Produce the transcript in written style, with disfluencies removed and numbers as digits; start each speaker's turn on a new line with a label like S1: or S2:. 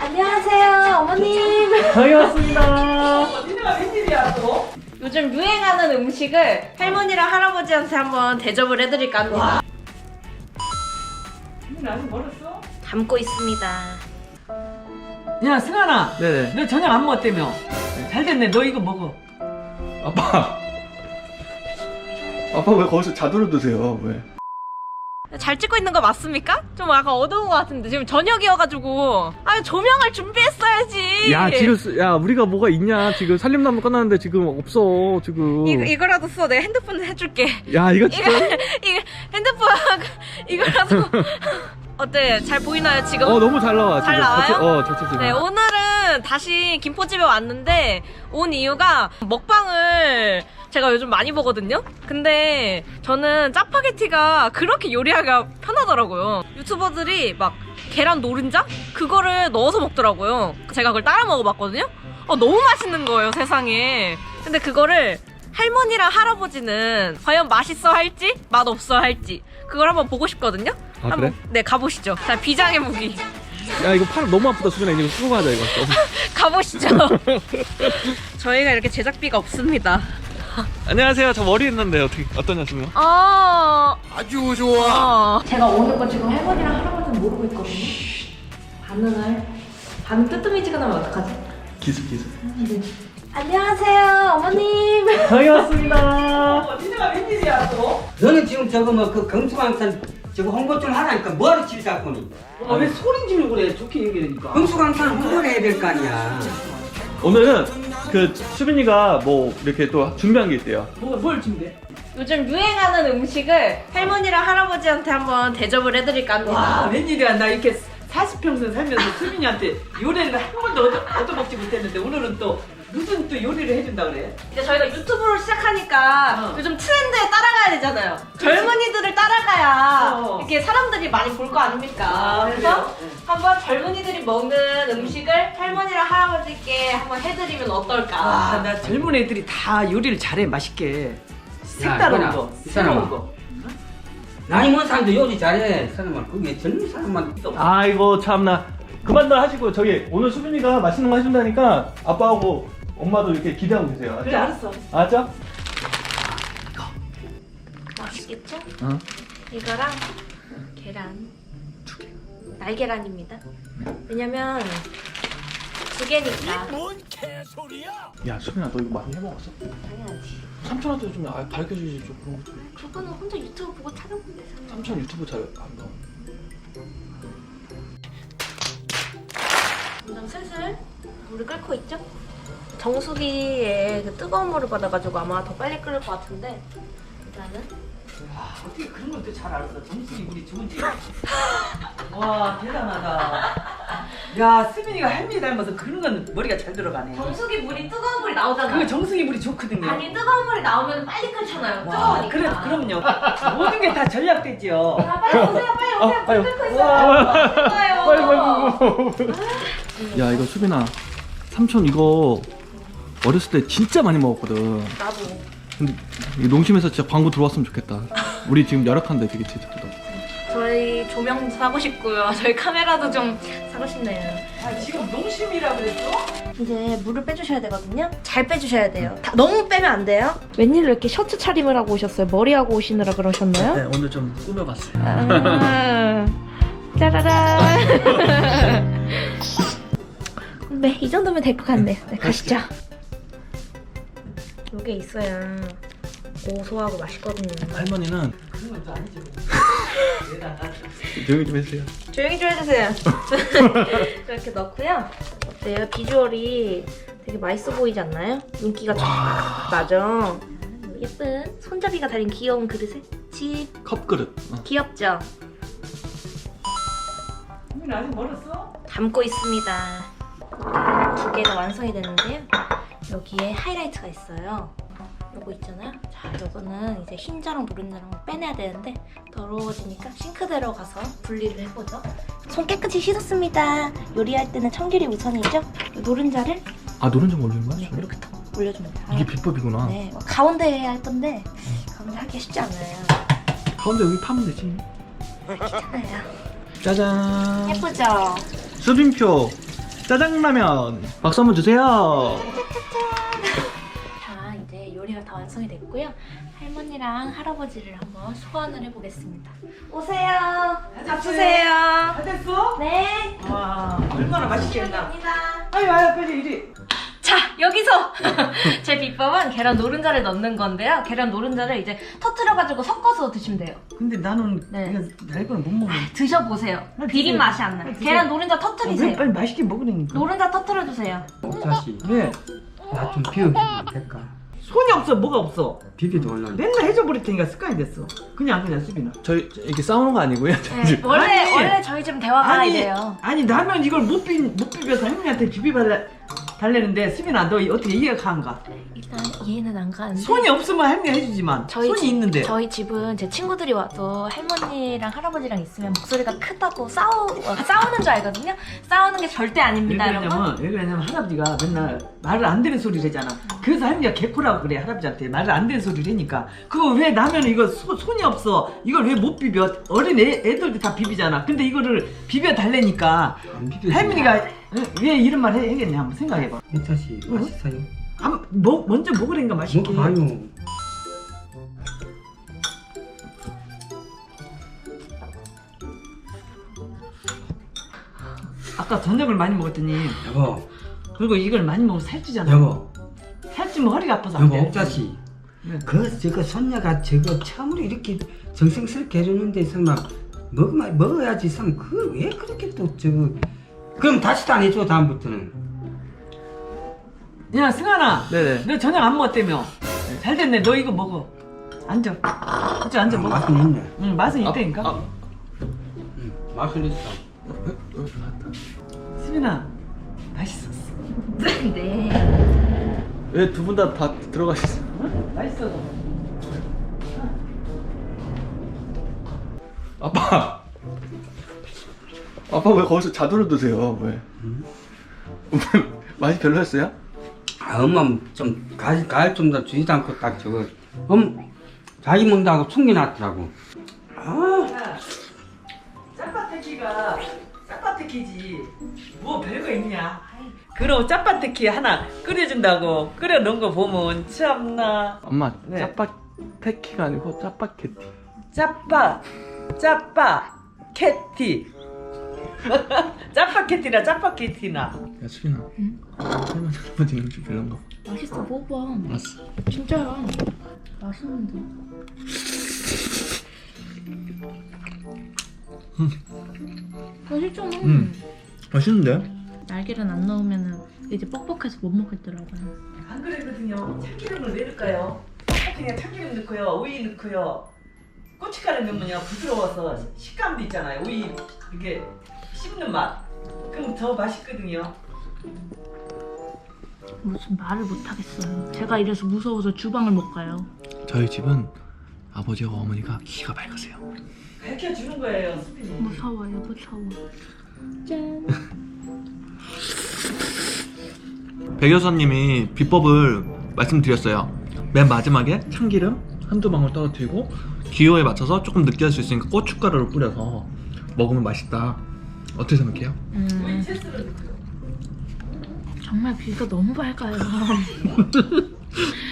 S1: 안녕하세요, 어머님.
S2: 저희 왔습니다.
S3: 니네가 웬일이야 또?
S1: 요즘 유행하는 음식을 할머니랑 할아버지한테 한번 대접을 해드릴까 합니다.
S3: 니네 아직 멀었어?
S1: 담고 있습니다.
S3: 야 승환아,
S2: 네네.
S3: 너 저녁 안 먹었다며? 잘 됐네. 너 이거 먹어.
S2: 아빠. 아빠 왜 거기서 자두를 드세요? 왜?
S1: 잘 찍고 있는 거 맞습니까? 좀 약간 어두운 것 같은데 지금 저녁이어가지고 조명을 준비했어야지.
S2: 야 우리가 뭐가 있냐? 지금 살림나무 꺼놨는데 지금 없어 지금.
S1: 이거라도 써. 내가 핸드폰 해줄게.
S2: 야 이거 진짜.
S1: 이거 핸드폰 이거라도 어때? 잘 보이나요 지금?
S2: 너무 잘 나와.
S1: 잘
S2: 지금.
S1: 나와요?
S2: 자체
S1: 네, 오늘은 다시 김포집에 왔는데 온 이유가 먹방을 제가 요즘 많이 보거든요? 근데 저는 짜파게티가 그렇게 요리하기가 편하더라고요. 유튜버들이 막 계란 노른자? 그거를 넣어서 먹더라고요. 제가 그걸 따라 먹어봤거든요? 너무 맛있는 거예요, 세상에. 근데 그거를 할머니랑 할아버지는 과연 맛있어 할지, 맛없어 할지 그걸 한번 보고 싶거든요?
S2: 아,
S1: 한번,
S2: 그래?
S1: 네, 가보시죠. 자, 비장의 무기.
S2: 야 이거 팔 너무 아프다 수빈아. 이거 수고 가자 이거.
S1: 가보시죠. 저희가 이렇게 제작비가 없습니다.
S2: 안녕하세요. 저 머리 했는데 어떠냐시면?
S1: 아주 좋아. 제가 오는 거 지금 할머니랑 할아버지는 모르고 있거든요. 반응 뜨뜨미지근하면 어떡하지?
S2: 기습.
S1: 안녕하세요, 어머님.
S2: 저희 왔습니다.
S3: 니네가 웬일이야 또?
S4: 너는 지금 저거 뭐 그 경수광산 저거 홍보 좀 하라니까 뭐하러 질 잡고니?
S3: 왜 소리 지르고 그래? 좋게 얘기하니까.
S4: 경수광산 홍보를 해야 될 거 아니야.
S2: 오늘은 그 수빈이가 뭐 이렇게 또 준비한 게 있대요.
S3: 뭘 준비해?
S1: 요즘 유행하는 음식을 할머니랑 할아버지한테 한번 대접을 해드릴까 합니다.
S3: 와 웬일이야. 나 이렇게 40평생 살면서 수빈이한테 요리를 한 번도 얻어먹지 못했는데 오늘은 또 무슨 또 요리를 해준다 그래?
S1: 이제 저희가 유튜브를 시작하니까 요즘 트렌드에 따라가야 되잖아요. 젊은이들을 따라가야 이렇게 사람들이 많이 볼 거 아닙니까? 그래서
S3: 그래요?
S1: 한번 젊은이들이 먹는 음식을 할머니랑 할아버지께 한번 해드리면 어떨까?
S3: 나 젊은 애들이 다 요리를 잘해 맛있게. 색다른
S4: 이거나,
S3: 거,
S4: 이
S3: 새로운
S4: 사람아.
S3: 거.
S4: 나이 먹은 사람도 요리 잘해. 사람아 그게 젊은 사람만
S2: 아이고 참나. 그만들 하시고 저기 오늘 수빈이가 맛있는 거 해준다니까 아빠하고 엄마도 이렇게 기대하고 계세요. 알았죠?
S3: 그래 알았어.
S2: 알았죠?
S1: 맛있겠죠?
S2: 응.
S1: 이거랑 계란 2개. 날계란입니다. 왜냐면 2개니까.
S2: 야 수빈아 너 이거 많이 해먹었어?
S1: 당연하지.
S2: 삼촌한테 좀 가르쳐주지 좀 그런 거.
S1: 저거는 혼자 유튜브 보고 찾아보면 되잖아.
S2: 삼촌 유튜브 잘 한다.
S1: 점점 슬슬 물을 끓고 있죠? 정수기에 그 뜨거운 물을 받아가지고 아마 더 빨리 끓을 것 같은데 일단은
S3: 어떻게 그런 것도 잘 알았어. 정수기 물이 좋은지. 와 대단하다. 야 수빈이가 할머니 닮아서 그런 건 머리가 잘 들어가네.
S1: 정수기 물이 뜨거운 물이 나오잖아요.
S3: 그 정수기 물이 좋거든요.
S1: 아니 뜨거운 물이 나오면 빨리 끓잖아요.
S3: 와,
S1: 뜨거우니까.
S3: 그럼요. 모든 게 다 전략되죠.
S1: 자, 빨리 오세요, 빨리 오세요.
S2: 아유.
S1: 불 끓고 있어요.
S2: 빨리. 야 이거 수빈아 삼촌 이거 어렸을 때 진짜 많이 먹었거든.
S1: 나도.
S2: 근데 이 농심에서 진짜 광고 들어왔으면 좋겠다. 우리 지금 열악한데 되게 제작보다.
S1: 저희 조명 사고 싶고요. 저희 카메라도 좀 사고 싶네요.
S3: 아, 지금 농심이라 그랬어?
S1: 이제 물을 빼주셔야 되거든요. 잘 빼주셔야 돼요. 너무 빼면 안 돼요. 웬일로 이렇게 셔츠 차림을 하고 오셨어요? 머리하고 오시느라 그러셨나요?
S2: 네 오늘 좀 꾸며봤어요.
S1: 아, 짜라란. 네, 이 정도면 될 것 같네요. 네, 가시죠. 이게 있어야 고소하고 맛있거든요.
S2: 할머니는
S3: 그런 건 또 아니죠. 대단하다.
S2: 조용히 좀 해주세요.
S1: 조용히 좀 해주세요. 이렇게 넣고요. 어때요? 비주얼이 되게 맛있어 보이지 않나요? 윤기가 쫙 나죠? 예쁜 손잡이가 달린 귀여운 그릇에 집
S2: 컵그릇.
S1: 귀엽죠?
S3: 수빈이 아직 멀었어?
S1: 담고 있습니다. 2개가 완성이 됐는데요. 여기에 하이라이트가 있어요. 요거 있잖아요. 자, 요거는 이제 흰자랑 노른자랑 빼내야 되는데 더러워지니까 싱크대로 가서 분리를 해보죠. 손 깨끗이 씻었습니다. 요리할 때는 청결이 우선이죠. 요 노른자를
S2: 아 노른자 올리는 거야?
S1: 이렇게 탁 올려줍니다.
S2: 이게 비법이구나.
S1: 네, 가운데 해야 할 건데 가운데 하기가 쉽지 않아요.
S2: 가운데 여기 파면 되지.
S1: 괜찮아요.
S2: 짜잔.
S1: 예쁘죠?
S2: 수빈표 짜장라면 박수 한번 주세요.
S5: 자, 이제 요리가 다 완성이 됐고요. 할머니랑 할아버지를 한번 소환을 해보겠습니다. 오세요. 밥 주세요.
S3: 다 됐어?
S5: 네.
S3: 와 얼마나 맛있겠나.
S5: 감사합니다.
S3: 아유 빨리 이리.
S1: 자, 여기서 제 비법은 계란 노른자를 넣는 건데요. 계란 노른자를 이제 터트려가지고 섞어서 드시면 돼요.
S3: 근데 나는
S1: 네.
S3: 이거 달고는 못 먹어.
S1: 드셔보세요. 비린 맛이 안 나요. 계란 노른자
S3: 왜
S1: 터트리세요.
S3: 빨리 맛있게 먹으라니까.
S1: 노른자 터트려주세요.
S4: 자식
S3: 왜?
S4: 나 좀 비워주면 될까?
S3: 손이 없어 뭐가 없어.
S4: 비비도 올라온다.
S3: 맨날 해줘 버릴 테니까 습관이 됐어. 그냥 수빈아.
S2: 저희 이렇게 싸우는 거 아니고요.
S1: 네, 원래 저희 집은 대화가 이래요.
S3: 아니 라면 이걸 못 비벼서 할머니한테 달래는데 수빈아 너 어떻게 이해가 가는가?
S5: 일단 이해는 안 가는데.
S3: 손이 없으면 할머니 해주지만 손이 있는데.
S5: 저희 집은 제 친구들이 와도 할머니랑 할아버지랑 있으면 목소리가 크다고 싸우는 줄 알거든요. 싸우는 게 절대 아닙니다, 여러분.
S3: 왜 그러냐면 할아버지가 맨날 말을 안 되는 소리를 하잖아. 그래서 할머니가 개코라고 그래 할아버지한테 말을 안 되는 소리를 하니까 그거 왜 라면 이거 손이 없어 이걸 왜 못 비벼 어린 애들도 다 비비잖아. 근데 이거를 비벼 달래니까
S4: 안 비벼.
S3: 할머니가 왜 이런 말 해야겠냐 한번 생각해봐.
S4: 이 자식 맛있어요.
S3: 먼저 먹으라니까 맛있게.
S4: 먹어봐요.
S3: 아까 저녁을 많이 먹었더니
S4: 여보,
S3: 그리고 이걸 많이 먹으면 살찌잖아.
S4: 여보,
S3: 살찌면 허리가 아파서 안
S4: 여보
S3: 돼.
S4: 옥자씨.
S3: 네.
S4: 저거 손녀가 저거 참으로 이렇게 정성스럽게 해주는데 설마 먹어야지 참 그 왜 그렇게 또 저거 그럼 다시도 안 해줘 다음부터는.
S3: 야 승환아
S2: 네네.
S3: 너 저녁 안 먹었다며. 잘 됐네. 너 이거 먹어. 앉아. 그치 앉아 먹어.
S4: 맛은 있네.
S3: 응 맛은 있다니까.
S4: 응, 맛은 있어.
S3: 수빈아 맛있었어.
S5: 네.
S2: 왜 두 분 다 들어가셨어요?
S3: 응? 맛있어.
S2: 아빠 왜 거기서 자두를 드세요? 왜? 맛이 별로였어요?
S4: 아, 엄마 좀 가을 좀 더 주지도 않고 딱 저거 자기 먹는다고 숨겨놨더라고.
S3: 야, 짜파테키가 짜파테키지 뭐 별거 있냐. 그럼 짜파테키 하나 끓여준다고 끓여놓은 거 보면 참나.
S2: 엄마
S3: 네.
S2: 짜파테키가 아니고 짜파게티.
S3: 짜파캐티 짜파캐티나 짜파캐티나.
S2: 야 수빈아. 할머니 할아버지 음식 별론가?
S5: 맛있어, 먹어봐.
S2: 알았어.
S5: 진짜야. 맛있는데. 맛있잖아.
S2: 맛있는데?
S5: 날개를 안 넣으면은 이제 뻑뻑해서 못 먹겠더라고요.
S3: 안 그랬거든요. 참기름을 왜 넣을까요? 그냥 참기름 넣고요, 오이 넣고요. 고춧가루 넣으면요 부드러워서 식감도 있잖아요. 오이 이렇게 씹는 맛. 그럼 더 맛있거든요.
S5: 무슨 말을 못 하겠어요. 제가 이래서 무서워서 주방을 못 가요.
S2: 저희 집은 아버지와 어머니가 기가 밝으세요.
S3: 밝혀주는 거예요, 수빈이.
S5: 무서워요, 무서워. 짠.
S2: 백 여사님이 비법을 말씀드렸어요. 맨 마지막에 참기름 한두 방울 떨어뜨리고 기호에 맞춰서 조금 느끼할 수 있으니까 고춧가루를 뿌려서 먹으면 맛있다. 어떻게 생각해요?
S3: 오이 채스를 넣고요.
S5: 정말 귀가 너무 밝아요.